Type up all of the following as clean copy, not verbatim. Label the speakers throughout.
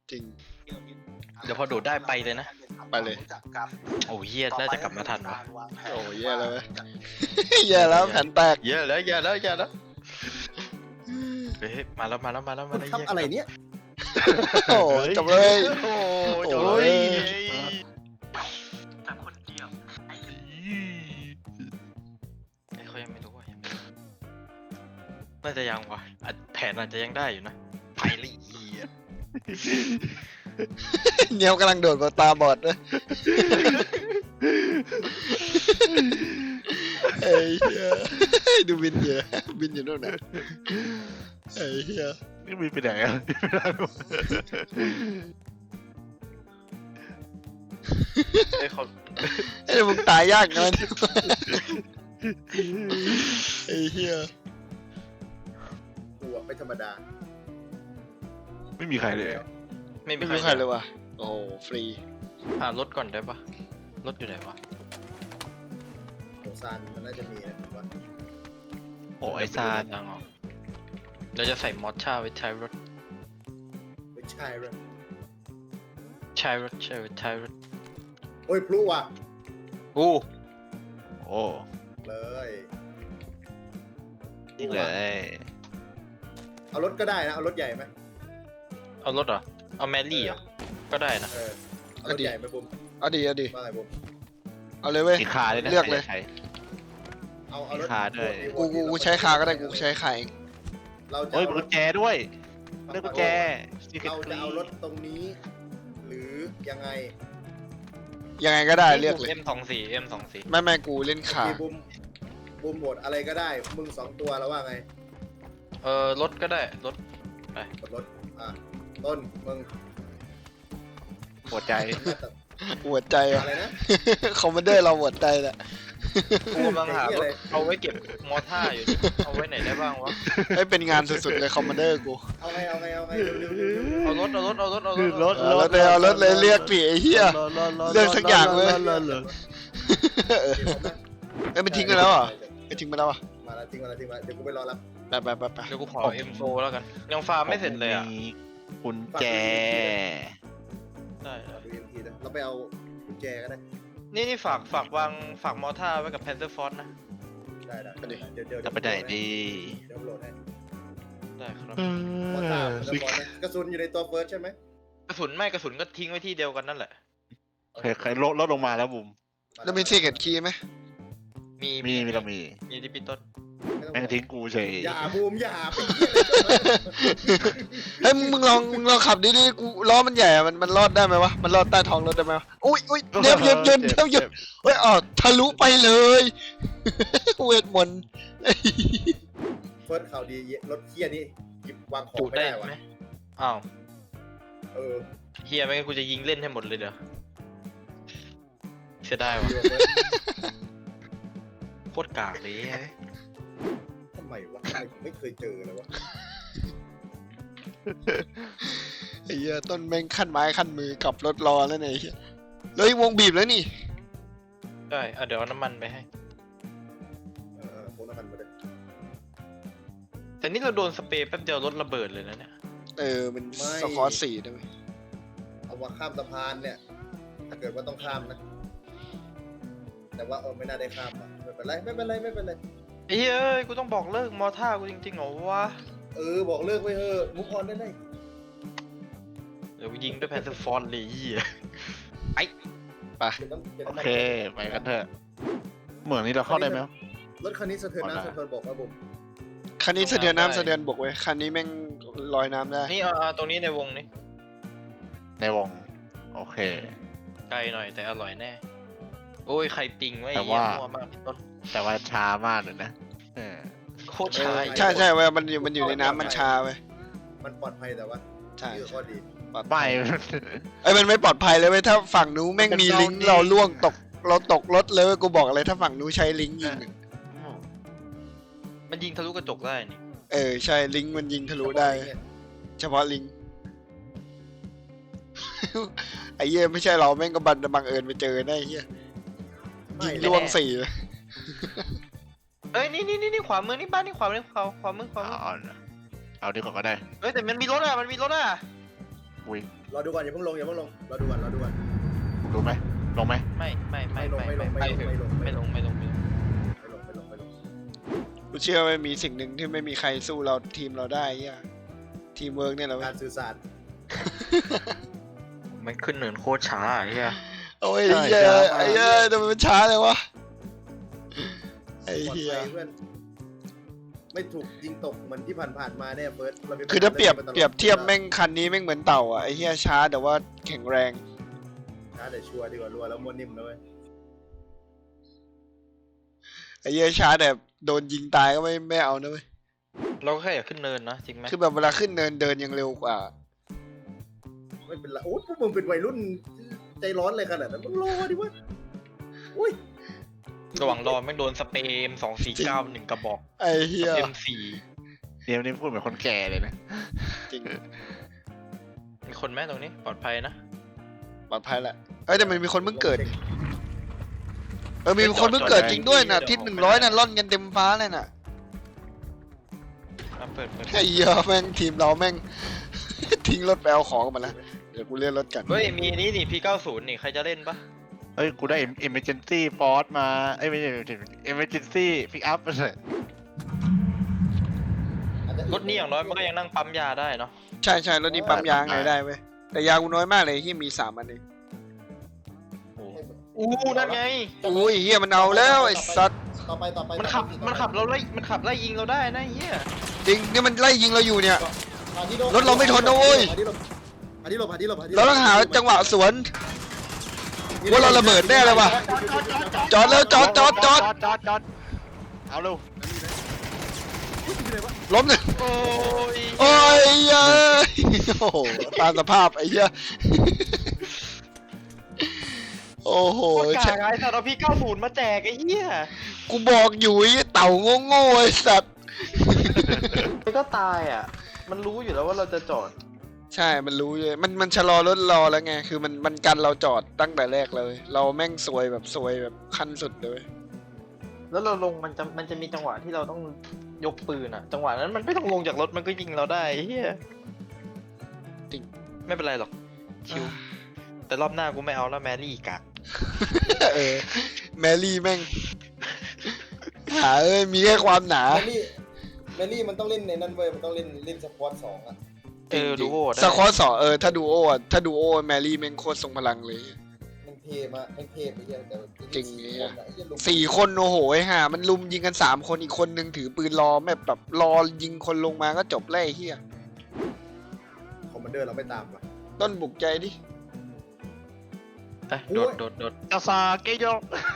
Speaker 1: จริง
Speaker 2: เดี๋ยวพอโดดได้ไปเลยนะ
Speaker 1: ไปเลย
Speaker 2: โอ้เฮียน่าจะกลับมาทันวะ
Speaker 1: โอ้แย่แล้วไหม แย่แล้วแผ่นแตก
Speaker 2: เยอะแล้วเยอะแล้วเยอะแล้วเฮ้ยมาแล้วมาแล้วมาแล้ว
Speaker 3: คุ
Speaker 2: มา
Speaker 3: ณ
Speaker 2: แล้ว
Speaker 3: ทำอะไรเนี่ย
Speaker 1: โอ้จบเลย
Speaker 2: โอ้
Speaker 1: โอ้
Speaker 2: จบ
Speaker 1: ย
Speaker 2: เลยแต่คนเดียวไอ้เขายังไม่รู้ว่ายังไม่รู้น่าจะยังวะแผนอาจจะยังได้อยู่นะไปเลยเฮีย
Speaker 1: เนียวกำลังโดดมาตาบอดด้วยไอ้เหี้ยดูบินเยอะบินอยู่นู่นน่ะไอ้เหี้ย
Speaker 4: นี่มีไปไหนอ่ะ
Speaker 2: ไอ้เขา
Speaker 1: ไอ้มึงตายยากเงินไอ้เหี้ย
Speaker 3: กูอะไม่ธรรมดา
Speaker 4: ไม่มีใครเลย
Speaker 2: ไม่มี
Speaker 1: ไม่
Speaker 2: ใคร
Speaker 1: รู้ใครเลยว่ะโอ้โหฟรี
Speaker 2: หารถก่อนได้ปะรถอยู่ไหนวะ
Speaker 3: โอซานมันน่าจะมีนะผมว่า
Speaker 4: โอ้ไอ้ซาน
Speaker 2: ยังเหรอเราจะใส่มอสชาไว้ท้ายรถ
Speaker 3: ไม่ใช่เลย
Speaker 2: ใช่รถใช่ไว้ท้ายรถ
Speaker 3: โอ้ยพลุว่ะ
Speaker 2: อู้
Speaker 4: โอ้
Speaker 3: เลย
Speaker 4: ยิ่งเลย
Speaker 3: เอารถก็ได้นะ เอารถใหญ่ไหม
Speaker 2: เอารถเหรอเอาแมรี่เหรอก็ได้นะ
Speaker 3: เออเอารถใหญ่ไหมบุ้ม
Speaker 1: เอาดีเอาดี
Speaker 3: ว่าไงบุ้ม
Speaker 1: เอาเลยเว้ย
Speaker 4: มีคาด้วยนะ
Speaker 1: เลือกเลย
Speaker 4: ใคร
Speaker 3: เอารถ
Speaker 4: ขาด้วย
Speaker 1: กูใช้ขาก็ได้กูใช้ขาเอง
Speaker 3: เราจะ
Speaker 4: โอ้ย
Speaker 3: เอา
Speaker 4: กุ
Speaker 3: ร
Speaker 4: ญ
Speaker 3: ถ
Speaker 4: แจด้วยเลือกกุญแจ
Speaker 3: เราจะเอารถตรงนี้ หรือยังไง
Speaker 1: ยังไงก็ได้เลือกเลย
Speaker 2: M24 M24
Speaker 1: ไม่กูเล่นขา
Speaker 3: ที่บุ้มโหมดอะไรก็ได้ มึง2 ตัวแล้วว่าไง
Speaker 2: รถก็ได้รถ
Speaker 3: กดรถอ่ะต้นมึง
Speaker 4: หัวใจ
Speaker 1: หัวใจอ่ะ
Speaker 3: อะไรนะ
Speaker 1: คอมมานเดอร์เราหัวใจแหละ
Speaker 2: กูกำลังหารถ
Speaker 3: ไอ้เหี้ยอะไร
Speaker 2: เอาไว้เก็บมอท่าอยู่ดิเอาไว้ไหนได้บ้างวะ
Speaker 1: ให้เป็นงานสุดๆเลยคอมมานเดอร์กู
Speaker 3: เอาไงเร็ว
Speaker 2: เอารถเอารถเอารถเอารถ
Speaker 4: รถ
Speaker 1: เอารถเลยเอารถเลยเรียกผีไอ้เหี้ย เลือกสักอย่างเลย เอ้ยมันทิ้งไปแล้วเหรอไปทิ้งไปแล้วอ่ะ
Speaker 3: มาแล้วทิ้งมาแล้วเดี๋ยวกูไปรอรับ
Speaker 1: ไป
Speaker 2: เดี๋ยวกูขอ M4 แล้วกันยังฟาร์มไม่เสร็จเลยอ่ะ
Speaker 4: มีกุญแจ
Speaker 2: ได้
Speaker 3: ดู EMP นะเราไปเอากุญแจก็ได้
Speaker 2: นี่ฝากวางฝากมอท่าไว้กับแพนเซอร์ฟอสนะ
Speaker 3: ได้เดี๋ยว
Speaker 4: จะไปไหนดี
Speaker 3: เดี๋ยวโหลดให้
Speaker 2: ได้ครับ
Speaker 3: มอต้ามันจะบอลนะกระสุนอยู่ในตัวเฟิร์สใช่ไหม
Speaker 2: กระสุนไม่กระสุนก็ทิ้งไว้ที่เดียวกันนั่นแหละ
Speaker 4: ใครลดลงมาแล้วบุ๋ม
Speaker 1: แล้วมีซีเกตคีย์ไหม
Speaker 2: มี
Speaker 4: มีเรามี
Speaker 2: มีดิปิต้น
Speaker 4: แม่งทิ้งกูเฉย
Speaker 3: อย่าบูมอย่าไป
Speaker 1: เฮ้ยมึงลองขับดิกูล้อมันใหญ่อะมันรอดได้ไหมวะมันรอดใต้ท้องรถได้ไหมวะอุ้ยเดี๋ยวเฮ้ยทะลุไปเลยเวทมนต์
Speaker 3: เฟิร์สข่าวดีรถเคียนี่หยิบวางของ
Speaker 2: จุ
Speaker 3: ไม่
Speaker 2: ได้
Speaker 3: ได้วะ
Speaker 2: ไหมอ้าว
Speaker 3: เออ
Speaker 2: เฮียไม่งั้นกูจะยิงเล่นให้หมดเลยเดี๋ยวเสียดายวะโคตรกากเลย
Speaker 3: ทำไมวะทำไมผมไม่เคยเจอเลยวะ
Speaker 1: ไอ้เหี้ยต้นแม่งขั้นไม้ขั้นมือกับรถรอแล้วเนี่ยไอ้เหี้ยเลยวงบีบแล้วนี่
Speaker 2: ได้เดี๋ยวเอาน้ำมันไปให้
Speaker 3: โคน้ำมันมาเลย
Speaker 2: แต่นี่เราโดนสเปรย์แป๊บเดียวรถระเบิดเลยนะเนี่ย
Speaker 1: มันสกอร์4ได้ไหม
Speaker 3: เอามาข้ามสะพานเนี่ย ถ้าเกิดว่าต้องข้ามนะ แต่ว่าไม่น่าได้ข้ามอ่ะไม่เป็นไร
Speaker 2: ไอ้เฮ้ยกูต้องบอกเลิกมอท่ากูจริงๆเหรอวะ
Speaker 3: บอกเลิกไว้เถอะมุกออนได้เลย
Speaker 2: เดี๋ยวกูยิงด้วยแพนเซอร์ฟอนเลยเหี้ย
Speaker 4: โอเคไปกันเถอะเหมือนนี้เราเข้าได้ไหม
Speaker 3: รถคันนี้สะเทือนน้ำสะเทือนบกนะบุ๋ม
Speaker 1: คันนี้สะเทือนน้ำสะเทือนบกเว้ยคันนี้แม่งลอยน้ำได้
Speaker 2: นี่เอาตรงนี้ในวงนี้
Speaker 4: ในวงโอเค
Speaker 2: ไกลหน่อยแต่อร่อยแน่ โอ้ยใครปิงไว้
Speaker 4: แต่
Speaker 2: เหี้ย
Speaker 4: ว่า
Speaker 2: มั่วมากพี่ต้น
Speaker 4: แต่ว่าช้ามากเลยนะ
Speaker 2: โคตรช้า
Speaker 1: ใช่เว้ยมันอยู่ในน้ำมันชาเว้ย
Speaker 3: มันปลอดภัยแต่ว่า
Speaker 1: ใช่
Speaker 3: นี่ก็ข้อดี
Speaker 4: ไม่
Speaker 1: มันไม่ปลอดภัยเลยเว้ยถ้าฝั่งนู้นแม่งมีลิงก์เราล่วงเราตกรถเลยเว้ยกูบอกเลยถ้าฝั่งนู้นใช้ลิงก์ยิง
Speaker 2: มันยิงทะลุกระจกได้นี่
Speaker 1: ใช่ลิงก์มันยิงทะลุได้ เฉพาะลิงก์ ไอ้เหี้ยไม่ใช่เราแม่งก็บังเอิญไปเจอได้ไอ้เหี้ยยิงล่วง4เลย
Speaker 2: เอ้ยนี่ขวามือนี่บ้านนี่ขวามือ
Speaker 4: เอาดีกว่าก็ได้
Speaker 2: เฮ้ยแต่มันมีรถอ่ะ
Speaker 4: วิ่ง
Speaker 3: รอดูก่อนอย่าเพิ่งลงรอดูก่อน
Speaker 4: รู้ไหมลงไหม
Speaker 3: ไม่ลง
Speaker 1: กูเชื่อว่ามีสิ่งหนึ่งที่ไม่มีใครสู้เราทีมเราได้เหี้ยทีมเวิร์กเนี่ยแหละเว้
Speaker 3: กาย รสื่อสาร
Speaker 2: มันขึ้นเนินโคตรช้าไอ้เหี้ย
Speaker 1: โอ้ยไอ้เหี้ยไอ้เหี้ยทำไมมันช้าเลยวะไอ้
Speaker 3: ปลอด
Speaker 1: เหี้ย
Speaker 3: ภัยเพื่อนไม่ถูกยิงตกเหมือนที่ผ่านมาแน่เฟิร์ส
Speaker 1: คือถ้าเปรียบเทียบแม่งคันนี้แม่งเหมือนเต่าอ่ะไอ้เหี้ยช้าแต่ว่าแข็งแรง
Speaker 3: ช้าแต่ชัวร์ดีกว่ารัวแล้วม้วนนิ่มนะเว้ย
Speaker 1: ไอ้เหี้ยช้าแต่โดนยิงตายก็ไม่เอานะเว้ย
Speaker 2: เราก็แค่อยากขึ้นเนินนะจริงไหม
Speaker 1: คือแบบเวลาขึ้นเนินเดินยังเร็วกว่า
Speaker 3: ไม่เป็นไรโอ้พวกมึงเป็นวัยรุ่นใจร้อนเลยขนาดนั้นมึงรอดิวะอุ้ย
Speaker 2: ระหว่างรอแม่งโดนสเปรม249 1 กระบอก
Speaker 1: ไอ้เหี้ย
Speaker 2: M4
Speaker 4: เดี๋ยวนี้พูดเหมือนคนแก่เลยนะ
Speaker 1: จริง
Speaker 2: มีคนแม่ตรงนี้ปลอดภัยนะ
Speaker 1: ปลอดภัยแหละเอ้ยแต่มันมีคนเพิ่งเกิดมีคนเพิ่งเกิดจริงด้วยน่ะทิศ100น่ะล่อนกันเต็มฟ้าเลยน่ะ
Speaker 2: เปิด
Speaker 1: ไอ้เหี้ยแม่งทีมเราแม่ง ทิ้งรถไปเอาของมาแล้วเดี๋ยวกูเลื่อนรถกัน
Speaker 2: เฮ้ยมีนี่นี่ P90 นี่ใครจะเล่นปะ
Speaker 4: เฮ้ยกูได้ emergency force มาเอ้ยไม่ใช่ emergency pick up มาเลย
Speaker 2: รถนี้อย่างน้อยมันก็ยังนั่งปั๊มยาได้เนาะ
Speaker 1: ใช่รถนี้ปั๊มยางไหนได้เว้ยแต่ยางกูน้อยมากเลยที่มี3 อันเอง
Speaker 2: อู้นั่นไง
Speaker 1: อุ้ยเฮียมันเอาแล้วไอ้สัตว์
Speaker 3: ต่อไป
Speaker 2: มันขับเราไล่มันขับไล่ยิงเราได้นะเฮีย
Speaker 1: จริงนี่มันไล่ยิงเราอยู่เนี่ย รถเราไม่ทนนะเว้ย
Speaker 3: หาที่หลบ
Speaker 1: เราต้องหาจังหวะสวนว่าเราระเบิดแน่เลยว่ะจอดแล้วจอด
Speaker 4: เอาเร็ว
Speaker 1: ล้มหนึ่ง
Speaker 2: โอ้ย
Speaker 1: โอ้ยเย้ยโอ้โหตามสภาพไอ้เหี้ยโอ้โห
Speaker 2: โคตรกากไอ้สัตว์เอา P90 มาแจกไอ้เหี้ย
Speaker 1: กูบอกอยู่ไอ้เต่าโง่ๆไอ้สัตว์
Speaker 2: มันก็ตายอ่ะมันรู้อยู่แล้วว่าเราจะจอด
Speaker 1: ใช่มันรู้เลยมันชะลอรถรอแล้วไงคือมันกันเราจอดตั้งแต่แรกเลย เราแม่งซวยแบบขั้นสุดเลย
Speaker 2: แล้วเราลงมันจะมีจังหวะที่เราต้องยกปืนอ่ะจังหวะนั้นมันไม่ต้องลงจากรถมันก็ยิงเราได้ไอ้เหี้ย
Speaker 1: จริง
Speaker 2: ไม่เป็นไรหรอกชิวแต่รอบหน้ากูไม่เอาแล้วแมรี่กะ
Speaker 1: แมรี่แม่งหามีแค่ความหนา
Speaker 3: แมรี่มันต้องเล่นในนั่นเว้ยมันต้องเล่นสควอต2อ่ะ
Speaker 2: ดูโอได้
Speaker 1: สควอตสองถ้าดูโอแมรี่แม่งโคตรทรงพลังเลย
Speaker 3: มันเทมากมันเทไปเยอะแต่
Speaker 1: จริงเนี่ย 4 คนโอ้โหไอ้ห่ามันลุมยิงกัน3 คนอีกคนนึงถือปืนรอแบบรอยิงคนลงมาก็จบแล้วไอ้เหี้ย
Speaker 3: คอมมานเดอร์เราไม่ตามว่ะ
Speaker 1: ต้นบุกใจดิ
Speaker 2: โดด
Speaker 4: กาซาเกโย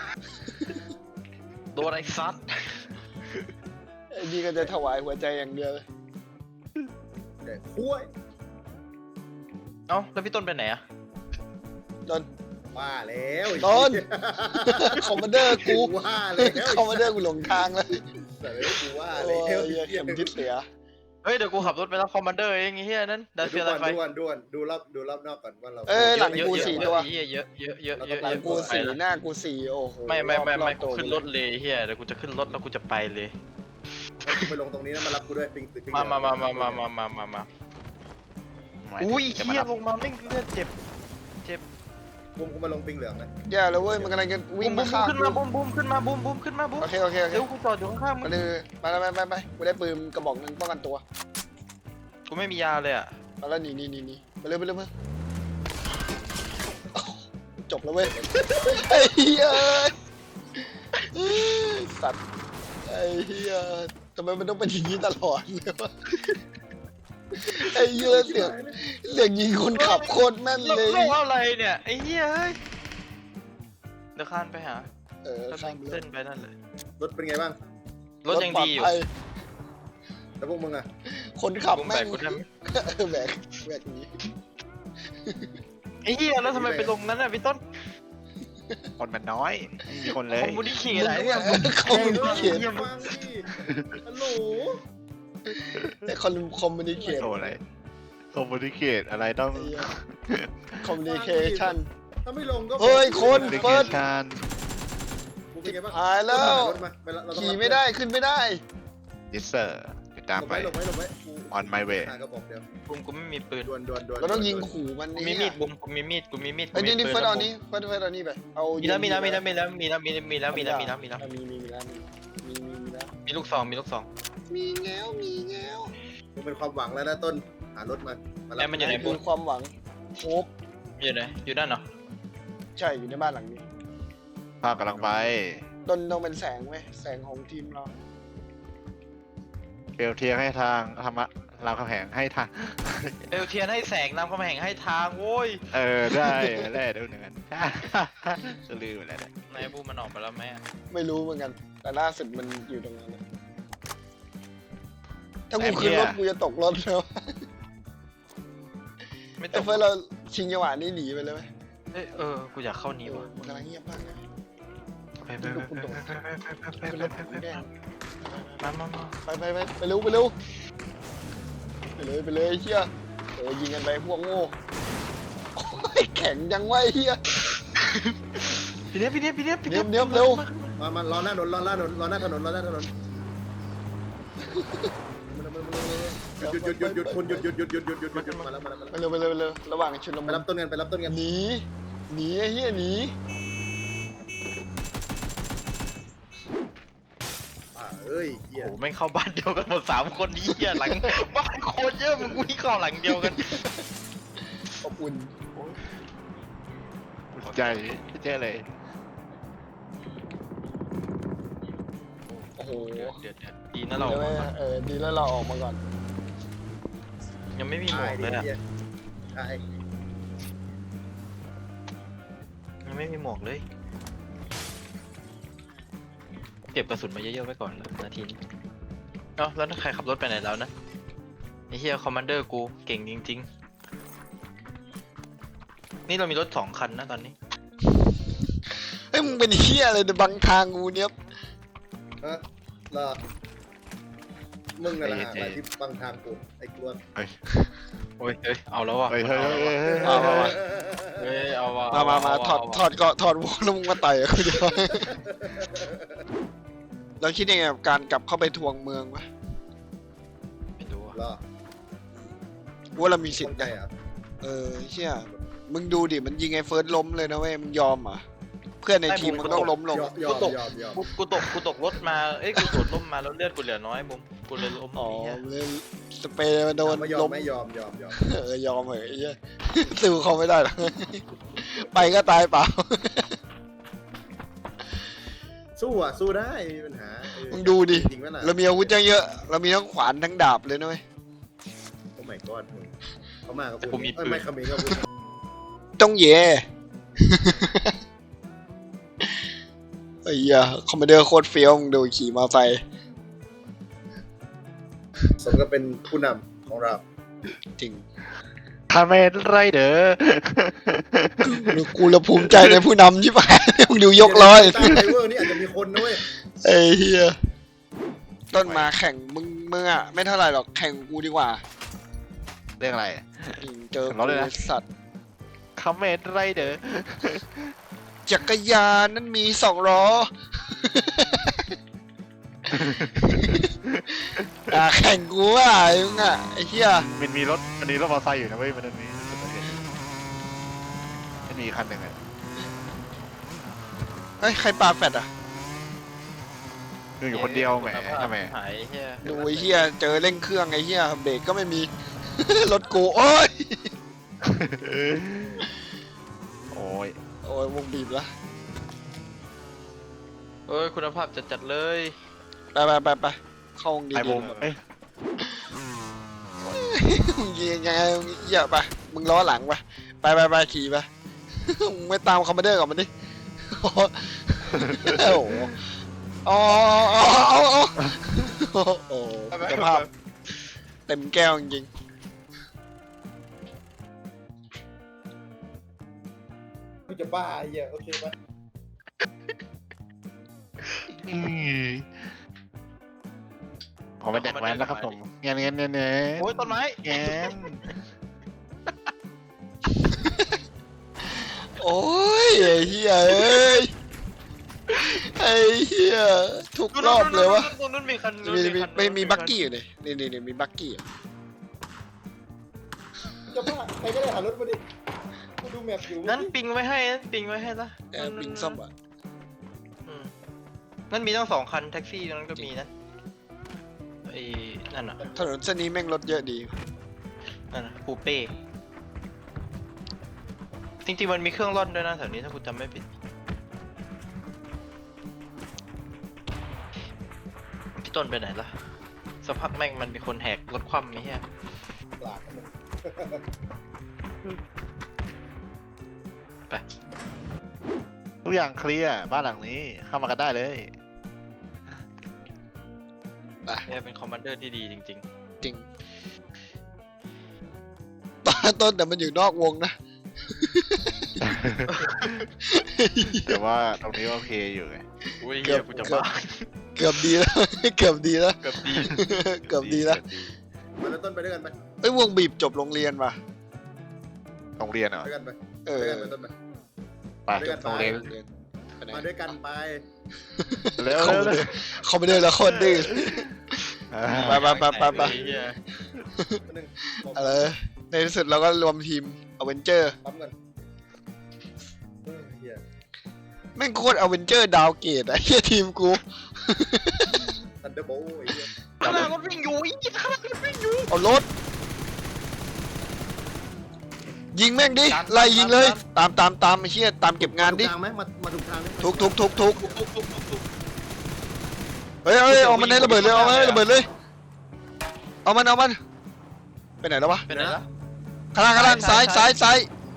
Speaker 2: โดนไอ้ซัด
Speaker 1: ไอ้นี่ก็จะถวายหัวใจอย่างเดียวเลย
Speaker 3: แต่คุ้ย
Speaker 2: เอ้าแล้วพี่ต้นไปไหนอ่ะ
Speaker 1: ต้น
Speaker 3: ว่าแล้ว
Speaker 1: ต้น คอมมานเดอร์กู
Speaker 3: ว่าแล้ว
Speaker 1: คอมมานเดอร์กูหลงทางแล้ว
Speaker 3: แต่กูว่า
Speaker 1: โอ้
Speaker 3: แล้ว
Speaker 1: ยเข็มทิศเสีย
Speaker 2: เฮ้ยเดี๋ยวกูขับรถไปรับคอมมานเดอร์เองไอ้เหี้ยนั่นดันเฟียร์ไฟ
Speaker 3: ด่วนดูรอบนอกก่อนว่าเรา
Speaker 1: หลังกู4 ตัว
Speaker 2: เยอะ
Speaker 1: หลังกู4หน้ากู4โอ้โห
Speaker 2: ไม่
Speaker 1: รอบ
Speaker 2: กูขึ้นรถเลยเฮียเดี๋ยวกูจะขึ้นรถแล้วกูจะไปเลย
Speaker 3: ไปลงตรงนี้นะมารับกูด้วยปิง
Speaker 2: มาอุ้ยเฮียลงมาไม่เลือดเจ็บ
Speaker 3: บุ้มกูมาลงปิงเหลืองนะ
Speaker 1: อย่าเลยเว้ยมันกำลังจะวิ่ง
Speaker 2: บู
Speaker 1: มาม ฆ่า
Speaker 2: ขึ้นมาบูมขึ้นมาบูมขึ้นมาบูม
Speaker 1: โอเค
Speaker 2: เดี๋ยวกูจอดอยู่ข้างๆมึ
Speaker 1: มาง เลยไปกูได้ปืนกระบอกนึงป้องกันตัว
Speaker 2: กูไม่มียาเลยอ่ะ
Speaker 1: มาแล้วนี่ไปเลยจบแล้วเว้ยไอ้เหี้ยสัตว์ไอ้เหี้ยทำไมมันต้องเป็นอย่างนี้ตลอดเลยวะไอ้เหี้ยเสียงยิงคนขับโคตรแม่นเลย
Speaker 2: โลกอะไรเนี่ยไอ้เฮียเดี๋ยวข้านไปหา
Speaker 1: ข้าม
Speaker 2: เส้นไปนั่นเลย
Speaker 3: รถเป็นไงบ้าง
Speaker 2: รถยังดีอยู่
Speaker 3: แล้วพวกมึงอ่ะ
Speaker 1: คนขับ
Speaker 2: กู
Speaker 1: แม่
Speaker 2: แบ
Speaker 1: ง
Speaker 2: กกูท
Speaker 1: แบกนี้
Speaker 2: ไอ้เฮียแล้วทำไมไปลงนั้นอ่ะพี่ต้น
Speaker 4: คนมันน้อยไม่มีคนเลย
Speaker 2: คอมมูนิเคชอะไรเนี่ย
Speaker 1: คอมมูนิเคช
Speaker 3: ฟังดิฮัลโหล
Speaker 1: แต่คอมมูนิเคช
Speaker 4: โอ้อะไรคอมมูนิเคตอะไรต้อง
Speaker 1: คอมมูนิเคชัน
Speaker 3: ถ้าไม่ลงก็
Speaker 1: เฮ้ยคน
Speaker 4: communication
Speaker 1: เปิด
Speaker 3: กูเป็นไงบ้าง
Speaker 1: หายแล้ว
Speaker 3: รถมา
Speaker 1: ขี่ไม่ได้ขึ้นไม่ได้
Speaker 4: yes sir ติดตาม
Speaker 3: หลบ
Speaker 4: ไป
Speaker 3: ไว้กู
Speaker 4: on my way
Speaker 3: ก็บอกเดี๋ยว
Speaker 2: บุมกูไม่มีปืน
Speaker 3: ดวน
Speaker 1: เราต้องยิงขู่มัน
Speaker 2: กู
Speaker 1: นี่
Speaker 2: มีมีดบุมกูมีมีดกูมีมีด
Speaker 1: ไอ้ยนี่
Speaker 2: ปื
Speaker 1: เฟิร์ส
Speaker 2: แล้ว
Speaker 1: เอา
Speaker 2: บุม
Speaker 1: นี้เฟิร์สเอานี้ไปเอา
Speaker 2: มี
Speaker 1: มี
Speaker 2: แล้วมีแล้วมีแล้วมีแล้วมีแล้วมีแล้วมีแล้วมีแล้วมีแล้ว
Speaker 1: มีแล้ว
Speaker 2: มีลูกซองมีลูกซอง
Speaker 1: มีแล้ว
Speaker 3: มันเป็นความหวังแล้วนะต้นหารถมารั
Speaker 2: แล้วมันอยู่ไหน
Speaker 1: คือความหวังโฮป
Speaker 2: อยู่ไหนอยู่ด้านเหรอ
Speaker 1: ใช่อยู่ในบ้านหลังนี้
Speaker 4: ภาพกำลังไป
Speaker 1: ต้นต้องเป็นแสงเว้ยแสงของทีมเรา
Speaker 4: เปลวเทียนให้ทางธรรมะรามคำแหงให้ทาง
Speaker 2: เอลเทียนให้แสงนำคำแห่งให้ทางโว้ย
Speaker 4: ได้ได้เดี๋ยวหนึ่งอันจะลืมไปแล้วเนี่ย
Speaker 2: นายบูมมันออกไปแล้วไหม
Speaker 1: ไม่รู้เหมือนกัน แต่ล่าสุดมันอยู่ตรงนั้นนะถ้ากูขึ้นรถกูจะตกรถแล้ว
Speaker 2: ไม่ต้
Speaker 1: แต่
Speaker 2: อง
Speaker 1: เฟิร์สเราชิงจังหวะนี้หนีไปเลยไหม
Speaker 2: กูอยากเข้านี้ว่ะ
Speaker 1: มันกำลังเงียบมากนะ
Speaker 2: ไปไปไปไป
Speaker 1: ขึ้นรถกูแดง
Speaker 2: มา
Speaker 1: ไปเร็วไปเลยไอ้เชี่ยยิงกันไปพวกโง่โอ้ยแข็งจังวะไอ้เหี้ย
Speaker 2: พี่เนี้ย
Speaker 1: เนี้ยเร็ว
Speaker 3: มารอหน้าถนนรอหน้าถนนรอหน้าถนนหยุดคุณหยุดมาแล้ว
Speaker 1: ไปเร็วระหว่างชุนละ
Speaker 3: ไป
Speaker 1: มุน
Speaker 3: รับต้นกัน
Speaker 1: หนีไอ้เหี้ยหนี
Speaker 3: เอ้ยเหี้ย
Speaker 2: โอ้แม่งเข้าบ้านเดียวกันหมด3 คนนี้อ่ะหลังบ้านโคตรเยอะมึงวิ่งเข้าหลังเดียวกัน
Speaker 1: อบอุ่น
Speaker 4: ใจเจ๊เลย
Speaker 1: โอ้โห
Speaker 2: เดือดดีนะเรา
Speaker 1: ดีแล้วเราออกมาก่อน
Speaker 2: ยังไม่มีหมวกเลยอ่ะ
Speaker 3: ใช่
Speaker 2: ยังไม่มีหมวกเลยเก็บกระสุนมาเยอะๆไว้ก่อนเลยนาทีนี้เอ้าแล้วใครขับรถไปไหนแล้วนะไอ้เฮียคอมมานเดอร์กูเก่งจริงๆนี่เรามีรถ2 คันนะตอนนี้
Speaker 1: เฮ้ยมึงเป็นเหี้ยอะไรในบังทางกูเนี่ย
Speaker 3: ฮะรอมึงอะไรที่บังทางกูไอ้กลัว
Speaker 2: โอ้ยเอาแล้วว่ะ
Speaker 4: เฮ้ย
Speaker 1: เอามา
Speaker 2: เฮ้ยเอาว่ะ
Speaker 1: มาถอดวงแล้วมึงมาต่อยกูจะเราคิดยังไงกับการกลับเข้าไปทวงเมืองวะ
Speaker 2: ไม่รู้อ่ะ
Speaker 3: รอ
Speaker 1: ว่าเรามีสิทธิ์
Speaker 3: ใจ
Speaker 1: นะ
Speaker 3: อ่ะ
Speaker 1: เชี่ยมึงดูดิมันยิงไอ้เฟิร์สล้มเลยนะเว้ยมึงยอมเหรอ่ะเพื่อนในทีมมันต้องล้มลง
Speaker 3: ยอม
Speaker 2: กูตกรถมากูโดดล้มมาแล้วเลือดกูเหลือน้อยบุ้มกูเลยล้ม
Speaker 1: อ๋อ
Speaker 2: ไอ้เหี้ย
Speaker 1: เลยสเปรย์มันโดน
Speaker 3: ไม่ยอ
Speaker 1: ล้
Speaker 3: ม
Speaker 1: ม
Speaker 3: ยอม
Speaker 1: ยอมเหอะไอ้เหี้ยสู้เขาไม่ได้หรอกไปก็ตายเปล่า
Speaker 3: สู้ได้มีปัญหา
Speaker 1: มึงดูดิ
Speaker 3: จริงไหมล่ะ
Speaker 1: เรามีอาวุธเยอะเรามีทั้งขวานทั้งดาบเลยนะเว้ย
Speaker 3: โอ้ my god มึงเขามากับกูไม่ขมิ้นกับกู
Speaker 1: ต้องเย่ไอ้เหี้ยคอมมานเดอร์โคตรเฟี้ยวมึงดูขี่มอเตอร์ไซค์
Speaker 3: สมกับเป็นผู้นำของเรา
Speaker 1: จริง
Speaker 4: ทำไมไรเด้อ
Speaker 1: กูละภูมิใจในผู้นำชิบหายมึงดูยกร้อย
Speaker 3: ใต้ไดเวอร์นี่อาจจะมีคนนะเว้ย
Speaker 1: ไอ้เหี้ยต้นมาแข่งมึงอ่ะไม่เท่าไหร่หรอกแข่งกูดีกว่า
Speaker 4: เรื่องอะไร
Speaker 1: เจอ
Speaker 4: ร้องเลยนะ
Speaker 1: สัตว์
Speaker 4: คอมเมนต์ไรเด้อ
Speaker 1: จักรยานนั้นมี2 ล้อ แข่งกูอ่ะมึงอ่ะไอ้เหี้ย
Speaker 4: มันมีรถมอเตอร์ไซค์อยู่นะเว้ยมันมีคันหนึ่งอ่ะ
Speaker 1: เฮ้ยใครปาแฟดอ่ะ
Speaker 4: อยู่คนเดียวแหมทำไม
Speaker 2: หายเฮีย
Speaker 1: ดูไอ้เหี้ยเจอเร่งเครื่องไอ้เหี้ยเบรกก็ไม่มี รถกูโอ้ย
Speaker 4: โอ้ย
Speaker 1: โอ้ยวงบีบละ
Speaker 2: เอ้ยคุณภาพจัดเลย
Speaker 1: ไปเข้าวงดี
Speaker 4: ไอ้บูมเอ้ย
Speaker 1: มึงยิงยังไงมึงเหี้ยไปมึงล้อหลังไปขี่ไป มึงไม่ตามคอมมานเดอร์กับมันดิ โอ้โหอ๋อโอ้โหสภาพเต็มแก้วจริง
Speaker 3: กูจะบ้าไอ้เหี้ยโอเคปะ
Speaker 4: ผมเป็นเด็กแว้นแล้วครับผมเงี้ย
Speaker 2: โอ้ยต้นไม้
Speaker 4: เงี้ย
Speaker 1: โอ้ยไอ้เหี้ยเอ้ยไอ้เหี้ยทุกรอบเลยวะ
Speaker 2: ตรงนู้นมีคัน
Speaker 1: ไม่มีบักกี้อยู่เลยนี่มีบักกี้
Speaker 3: จะบ้าใครก็ได้หารถมาดิกูดูแมพอยู่
Speaker 2: นั้นปิงไว้ให้นะปิงไว้ให้ละ
Speaker 1: ปิงซ่อมอ่ะ
Speaker 2: อืมนั่นมีตั้ง2 คันแท็กซี่ตรงนั้นก็มีนะไอ้นั่นน่ะ
Speaker 1: ถนนเส้นนี้แม่งรถเยอะดี
Speaker 2: นั่นน่ะปูเป้จริงๆมันมีเครื่องร่อนด้วยนะแถวนี้ถ้าคุณจำไม่ผิดพี่ต้นไปไหนล่ะสักพักแม่งมันมีคนแหกรถคว่ำไม่ใช่
Speaker 3: หลากกันมึง
Speaker 2: ไป
Speaker 4: ทุกอย่างเคลียร์บ้านหลังนี้เข้ามากันได้เลย
Speaker 2: เนี่ยเป็นคอมมานเดอร์ที่ดีจริง
Speaker 1: จริงต้นแต่มันอยู่นอกวงนะ
Speaker 4: แต่ว่าตรงนี้โอเคอยู่ไง
Speaker 2: ๆอุ้ย
Speaker 1: เกื
Speaker 2: เฮี
Speaker 1: อย บ
Speaker 2: กูจะบ้า
Speaker 1: เกือบดีแล้ว เกือบดีแล้ว
Speaker 2: เกือบดี
Speaker 1: เกือบดีแล้ว
Speaker 3: มาแล้วต้นไปด้วยกันไป
Speaker 1: เอ้ยวงบีบจบโรงเรียนว่ะ
Speaker 4: โรงเรียนเหรอ
Speaker 3: ด้วยกันไป
Speaker 1: เอ
Speaker 3: ด้วย
Speaker 1: อ
Speaker 3: กันไปต้นไป
Speaker 4: ไป
Speaker 3: ด้วยกัน
Speaker 4: โรงเรียน
Speaker 1: ไปไหน
Speaker 3: มาด้วยกันไป
Speaker 4: เร็ว
Speaker 1: เขา
Speaker 4: เร็ว
Speaker 1: ไม่
Speaker 4: เร็
Speaker 1: ได้
Speaker 4: ว
Speaker 1: เขาไม่ได้แล้วคนดื้อ ไปไปไปไปไป
Speaker 2: ไอ้เหี้ย
Speaker 3: คนหนึ่งบอก
Speaker 1: อะไรในที่สุดเราก็รวมทีมอเวนเจอร์
Speaker 3: ปั๊มเงินเฮีย
Speaker 1: แม่งโคตรอเวนเจอร์ดาวเกตไอ้เหี้ยทีมกู
Speaker 3: ทันเดอร์โบไอ้เฮีย
Speaker 2: ข้างหน้ารถวิ่งอยู่อีกข้างหน้ารถวิ่งอยู่
Speaker 1: เอารถ ยิงแม่งดิ ไล่ยิงเลย ตามไอ้เหี้ยตามเก็บงานดิ
Speaker 3: ถูกทางไหมมาถูกทางไหม
Speaker 1: ทุกเฮ้ยเอามันให้ระเบิดเลยเอามันให้ระเบิดเลยเอามันไปไหนแล้ววะ
Speaker 2: เป็นไงล่ะ
Speaker 1: ข้างล่างซ้าย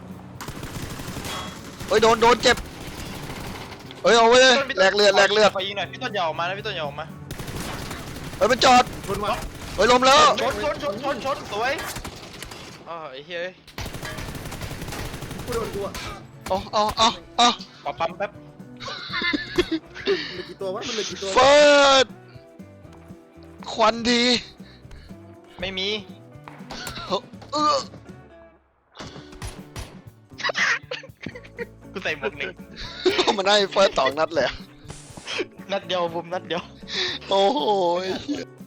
Speaker 1: เฮ้ยโดนเจ็บเฮ้ยเอาไว้เลยแลกเลือด
Speaker 2: ไปยิงหน่อยพี่ต้นอย่าออกมานะพี่ต้นอย่าออกมา
Speaker 1: เฮ้ยมันจอด
Speaker 3: ชนว่ะ
Speaker 1: เฮ้ยล้มแล้ว
Speaker 2: ชนสวยอ๋อไอ้เหี้ยเอ้ย
Speaker 3: กูโดนกูอ่ะ
Speaker 1: เอา
Speaker 2: ขอปั๊มแป๊บ
Speaker 3: มันเหลือกี่ตัววะมันเหลือกี่ตัว
Speaker 1: เฟิร์สควันดี
Speaker 2: ไม่มี
Speaker 1: เออ
Speaker 2: กูใส่หมวกหนึ่ง
Speaker 1: มันให้เฟิร์ส2 นัดเลยอะ
Speaker 2: นัดเดียวบุมนัดเดียว
Speaker 1: โอ้โห